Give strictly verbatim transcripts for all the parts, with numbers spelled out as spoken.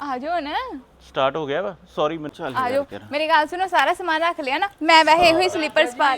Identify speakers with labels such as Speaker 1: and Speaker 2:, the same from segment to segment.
Speaker 1: आ जाओ ना।
Speaker 2: स्टार्ट हो गया वा सॉरी मैं चल
Speaker 1: आ जाओ मेरी गल सुनो सारा सामान रख लिया ना मैं वैसे ही स्लीपर्स पा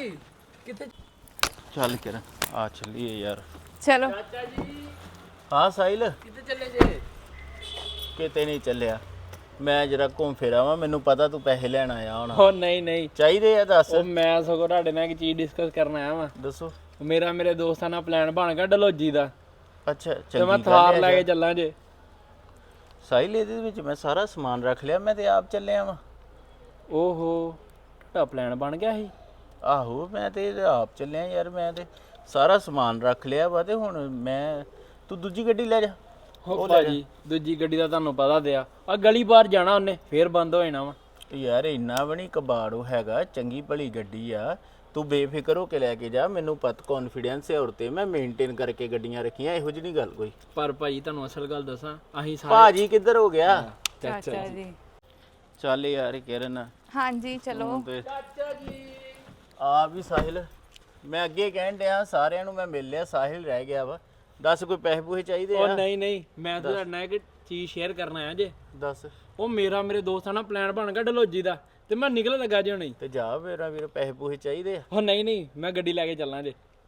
Speaker 2: चल के आ चलिए यार
Speaker 1: चलो
Speaker 2: हाँ साहिल
Speaker 3: ਕਿੱਥੇ ਚੱਲੇ ਜੇ
Speaker 2: ਕਿਤੇ ਨਹੀਂ ਚੱਲਿਆ ਮੈਂ ਜਰਾ ਘੁੰਮ ਫਿਰ ਆਵਾਂ ਮੈਨੂੰ ਪਤਾ ਤੂੰ ਪੈਸੇ ਲੈਣ ਆਇਆ ਹੁਣ
Speaker 3: ਉਹ ਨਹੀਂ ਨਹੀਂ
Speaker 2: ਚਾਹੀਦੇ ਆ ਦੱਸ
Speaker 3: ਉਹ ਮੈਂ ਸਗੋਂ ਤੁਹਾਡੇ ਨਾਲ ਇੱਕ ਚੀਜ਼ ਡਿਸਕਸ ਕਰਨ ਆਇਆ ਵਾਂ
Speaker 2: ਦੱਸੋ
Speaker 3: ਮੇਰਾ ਮੇਰੇ ਦੋਸਤਾਂ ਨਾਲ ਪਲਾਨ ਬਣ ਗਿਆ ਡਲੋਜੀ ਦਾ
Speaker 2: ਅੱਛਾ
Speaker 3: ਤੇ ਮੈਂ
Speaker 2: ਚੰਗੀ
Speaker 3: ਥਾਰ
Speaker 2: ਗੱਲ
Speaker 3: ਲੈ
Speaker 2: ਹੈ
Speaker 3: ਕੇ ਚੱਲਾਂ ਜੇ
Speaker 2: ਸਾहिल ਇਹਦੇ ਵਿੱਚ ਮੈਂ ਸਾਰਾ ਸਮਾਨ ਰੱਖ ਲਿਆ ਮੈਂ ਤੇ ਆਪ ਚੱਲਿਆ ਵਾਂ
Speaker 3: ਓਹੋ ਤੁਹਾਡਾ ਪਲਾਨ ਬਣ ਗਿਆ ਸੀ
Speaker 2: ਆਹੋ ਮੈਂ ਤੇ ਆਪ ਚੱਲਿਆ ਯਾਰ ਮੈਂ ਤੇ ਸਾਰਾ ਸਮਾਨ ਰੱਖ ਲਿਆ ਵਾ ਤੇ ਹੁਣ ਮੈਂ ਤੂੰ ਦੂਜੀ ਗੱਡੀ ਲੈ ਜਾ
Speaker 3: ਹੋ ਭਾਜੀ ਦੂਜੀ ਗੱਡੀ ਦਾ ਤੁਹਾਨੂੰ ਪਤਾ ਦਿਆ ਆ ਗਲੀ ਬਾਹਰ ਜਾਣਾ ਉਹਨੇ ਫੇਰ ਬੰਦ ਹੋ ਜਾਣਾ ਵਾ
Speaker 2: ਯਾਰ ਇੰਨਾ ਵੀ ਨਹੀਂ ਕਬਾੜੋ ਹੈਗਾ ਚੰਗੀ ਭਲੀ ਗੱਡੀ ਆ ਤੂੰ ਬੇਫਿਕਰ ਹੋ ਕੇ ਲੈ ਕੇ ਜਾ ਮੈਨੂੰ ਪਤ ਕੌਨਫੀਡੈਂਸ ਹੈ ਔਰ ਤੇ ਮੈਂ ਮੇਨਟੇਨ ਕਰਕੇ ਗੱਡੀਆਂ ਰੱਖੀਆਂ ਇਹੋ ਜਿਹੀ ਨਹੀਂ ਗੱਲ ਕੋਈ
Speaker 3: ਪਰ ਭਾਜੀ ਤੁਹਾਨੂੰ ਅਸਲ ਗੱਲ ਦੱਸਾਂ ਅਸੀਂ ਸਾਰੇ
Speaker 2: ਭਾਜੀ ਕਿੱਧਰ ਹੋ ਗਿਆ
Speaker 1: चाचा जी
Speaker 2: ਚੱਲ ਯਾਰ ਕਿਰਨ
Speaker 1: हाँ जी चलो
Speaker 3: ਚਾਚਾ ਜੀ
Speaker 2: ਆ ਵੀ ਸਾਹਿਲ ਮੈਂ ਅੱਗੇ ਕਹਿਣ ਡਿਆ ਸਾਰਿਆਂ ਨੂੰ ਮੈਂ ਮਿਲ ਲਿਆ ਸਾਹਿਲ ਰਹਿ ਗਿਆ ਵਾ ਦੱਸ ਕੋਈ ਪੈਸੇ ਪੂਸੇ ਚਾਹੀਦੇ
Speaker 3: ਉਹ
Speaker 2: ਆ
Speaker 3: ਨਹੀਂ ਨਹੀਂ ਮੈਂ ਤਾਂ ਤੁਹਾਡੇ ਨਾਲ ਇੱਕ ਚੀਜ਼ ਸ਼ੇਅਰ ਕਰਨ ਆਇਆ ਜੇ
Speaker 2: ਦੱਸ
Speaker 3: ਉਹ ਮੇਰਾ ਮੇਰੇ ਦੋਸਤਾਂ ਨਾਲ ਪਲਾਨ ਬਣ ਗਿਆ ਡਲੋਜੀ ਦਾ ਤੇ ਮੈਂ ਨਿਕਲ ਲੱਗਾ ਜੇ ਹੁਣੇ
Speaker 2: ਤੇ ਜਾ ਮੇਰਾ ਵੀਰ ਪੈਸੇ ਪੂਸੇ ਚਾਹੀਦੇ ਆ
Speaker 3: ਉਹ ਨਹੀਂ ਨਹੀਂ ਮੈਂ ਗੱਡੀ ਲੈ ਕੇ ਚੱਲਾਂ ਜੇ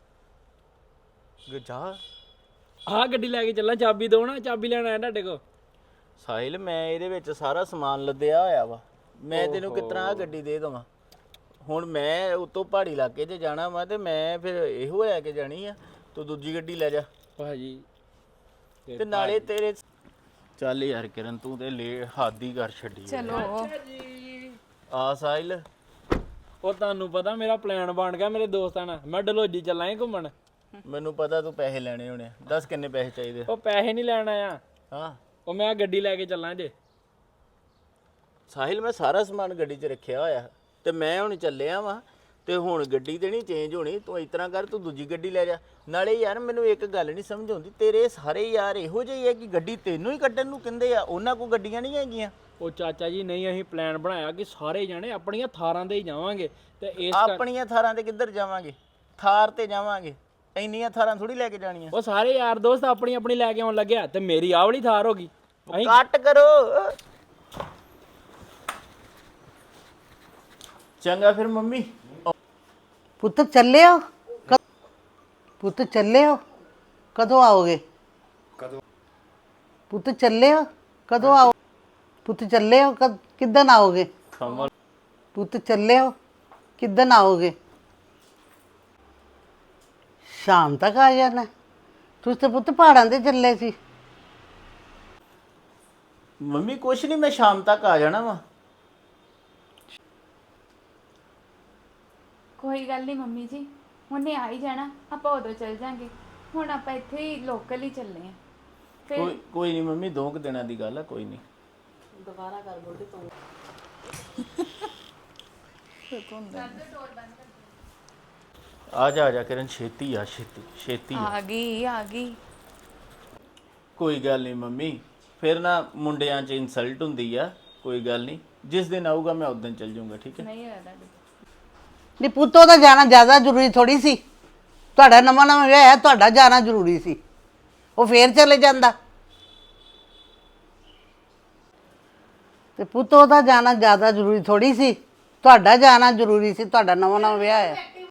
Speaker 2: ਗ- ਜਾ
Speaker 3: ਆਹ ਗੱਡੀ ਲੈ ਕੇ ਚੱਲਾਂ ਚਾਬੀ ਦੋ ਨਾ ਚਾਬੀ ਲੈਣ ਆਇਆ ਤੁਹਾਡੇ ਕੋਲ
Speaker 2: ਸਾਹਿਲ ਮੈਂ ਇਹਦੇ ਵਿੱਚ ਸਾਰਾ ਸਮਾਨ ਲੱਦਿਆ ਹੋਇਆ ਵਾ ਮੈਂ ਤੈਨੂੰ ਕਿਤਨਾ ਗੱਡੀ ਦੇ ਦਵਾਂ ਹੁਣ ਮੈਂ ਉਤੋਂ ਪਹਾੜੀ ਇਲਾਕੇ 'ਚ ਜਾਣਾ ਵਾ ਤੇ ਮੈਂ ਫਿਰ ਇਹੋ ਲੈ ਕੇ ਜਾਣੀ ਆ ਤੂੰ ਦੂਜੀ ਗੱਡੀ ਲੈ ਜਾ
Speaker 3: ਭਾਜੀ
Speaker 2: ਤੇ ਨਾਲੇ ਤੇਰੇ ਚੱਲ ਯਾਰ ਕਿਰਨ ਤੂੰ ਤੇ ਲੇ ਹੱਦ ਹੀ ਕਰ ਛੱਡੀ ਆ।
Speaker 1: चलो
Speaker 2: ਆ ਸਾਹਿਲ
Speaker 3: ਉਹ ਤੁਹਾਨੂੰ ਪਤਾ ਮੇਰਾ ਪਲਾਨ ਬਣ ਗਿਆ ਮੇਰੇ ਦੋਸਤਾਂ ਨਾਲ ਮੈਂ ਡਲੋਜੀ ਚੱਲਾਂ ਏ ਘੁੰਮਣ
Speaker 2: ਮੈਨੂੰ ਪਤਾ ਤੂੰ ਪੈਸੇ ਲੈਣੇ ਹੋਣੇ ਆ। ਦੱਸ ਕਿੰਨੇ ਪੈਸੇ ਚਾਹੀਦੇ ਆ?
Speaker 3: ਉਹ ਪੈਸੇ ਨਹੀਂ ਲੈਣ ਆਇਆ
Speaker 2: ਹਾਂ
Speaker 3: ਉਹ ਮੈਂ ਗੱਡੀ ਲੈ ਕੇ ਚੱਲਾਂ ਜੇ
Speaker 2: ਸਾਹਿਲ ਮੈਂ ਸਾਰਾ ਸਮਾਨ ਗੱਡੀ 'ਚ ਰੱਖਿਆ ਹੋਇਆ ਤੇ ਮੈਂ ਹੁਣ ਚੱਲਿਆ ਵਾਂ ਤੇ ਹੁਣ ਗੱਡੀ ਤੇ ਨਹੀਂ ਚੇਂਜ ਹੋਣੀ ਤੂੰ ਇਸ ਤਰ੍ਹਾਂ ਕਰ ਤੂੰ ਦੂਜੀ ਗੱਡੀ ਲੈ ਜਾ ਨਾਲੇ ਯਾਰ ਮੈਨੂੰ ਇੱਕ ਗੱਲ ਨਹੀਂ ਸਮਝ ਆਉਂਦੀ ਤੇਰੇ ਸਾਰੇ ਯਾਰ ਇਹੋ ਜਿਹੇ ਆ ਕਿ ਗੱਡੀ ਤੈਨੂੰ ਹੀ ਕੱਢਣ ਨੂੰ ਕਹਿੰਦੇ ਆ ਉਹਨਾਂ ਕੋਲ ਗੱਡੀਆਂ ਨਹੀਂ ਹੈਗੀਆਂ
Speaker 3: ਉਹ ਚਾਚਾ ਜੀ ਨਹੀਂ ਅਸੀਂ ਪਲਾਨ ਬਣਾਇਆ ਕਿ ਸਾਰੇ ਜਾਣੇ ਆਪਣੀਆਂ ਥਾਰਾਂ ਤੇ ਹੀ ਜਾਵਾਂਗੇ ਤੇ ਇਸ ਕਰ-
Speaker 2: ਆਪਣੀਆਂ ਥਾਰਾਂ ਤੇ ਕਿੱਧਰ ਜਾਵਾਂਗੇ ਥਾਰ ਤੇ ਜਾਵਾਂਗੇ ਇੰਨੀਆਂ ਥਾਰਾਂ ਥੋੜੀ ਲੈ ਕੇ ਜਾਣੀਆਂ
Speaker 3: ਉਹ ਸਾਰੇ ਯਾਰ ਦੋਸਤ ਆਪਣੀ ਆਪਣੀ ਲੈ ਕੇ ਆਉਣ ਲੱਗਿਆ ਤੇ ਮੇਰੀ ਆਹ ਵਾਲੀ ਥਾਰ ਹੋ ਗਈ ਅਸੀਂ
Speaker 2: ਕੱਟ ਕਰੋ ਚੰਗਾ ਫਿਰ ਮੰਮੀ
Speaker 4: ਪੁੱਤ ਚੱਲੇ ਹੋ ਕ- ਪੁੱਤ ਚੱਲੇ ਹੋ ਕਦੋਂ ਆਓਗੇ ਕਦੋਂ ਪੁੱਤ ਚੱਲੇ ਹੋ ਕਦੋਂ ਆਓ ਪੁੱਤ ਚੱਲੇ ਹੋ ਕਦ ਕਿੱਦਣ ਆਓਗੇ
Speaker 2: ਖਮਲ
Speaker 4: ਪੁੱਤ ਚੱਲੇ ਹੋ ਕਿੱਦਣ ਆਓਗੇ ਸ਼ਾਮ ਤੱਕ ਆ ਜਾਣਾ ਤੁਸੀਂ ਤੇ ਪੁੱਤ ਪਹਾੜਾਂ ਤੇ ਚੱਲੇ ਸੀ
Speaker 2: ਮੰਮੀ ਕੁਛ ਨਹੀਂ ਮੈਂ ਸ਼ਾਮ ਤੱਕ ਆ ਜਾਣਾ ਵਾ
Speaker 1: कोई गल नहीं मम्मी जी हुणे आ ही जाना आप उदों चल जाएंगे हुण आप इत्थे ही लोकल ही चलने हैं फिर
Speaker 2: ਕੋਈ ਕੋਈ ਨਹੀਂ ਮੰਮੀ ਦੋ ਕੁ ਦਿਨਾਂ ਦੀ ਗੱਲ ਆ ਕੋਈ ਨਹੀਂ ਆ ਜਾ ਆ ਜਾ ਕਿਰਨ ਛੇਤੀ ਆ ਛੇਤੀ ਛੇਤੀ ਆ।
Speaker 1: आ गई आ गई
Speaker 2: ਕੋਈ ਗੱਲ ਨਹੀਂ ਮੰਮੀ ਫਿਰ ਨਾ ਮੁੰਡਿਆਂ 'ਚ ਇਨਸਲਟ ਹੁੰਦੀ ਆ ਕੋਈ ਗੱਲ ਨਹੀਂ ਜਿਸ ਦਿਨ ਆਊਗਾ ਮੈਂ ਉਸ ਦਿਨ ਚੱਲ ਜਾਊਂਗਾ ਠੀਕ ਹੈ
Speaker 1: नहीं होता
Speaker 4: ਨਹੀਂ ਪੁੱਤ ਉਹਦਾ ਜਾਣਾ ਜ਼ਿਆਦਾ ਜ਼ਰੂਰੀ ਥੋੜੀ ਸੀ ਤੁਹਾਡਾ ਨਵਾਂ ਨਵਾਂ ਵਿਆਹ ਹੈ ਤੁਹਾਡਾ ਜਾਣਾ ਜ਼ਰੂਰੀ ਸੀ ਉਹ ਫੇਰ ਚਲੇ ਜਾਂਦਾ ਤੇ ਪੁੱਤ ਉਹਦਾ ਜਾਣਾ ਜ਼ਿਆਦਾ ਜ਼ਰੂਰੀ ਥੋੜੀ ਸੀ ਤੁਹਾਡਾ ਜਾਣਾ ਜ਼ਰੂਰੀ ਸੀ ਤੁਹਾਡਾ ਨਵਾਂ ਨਵਾਂ ਵਿਆਹ ਹੈ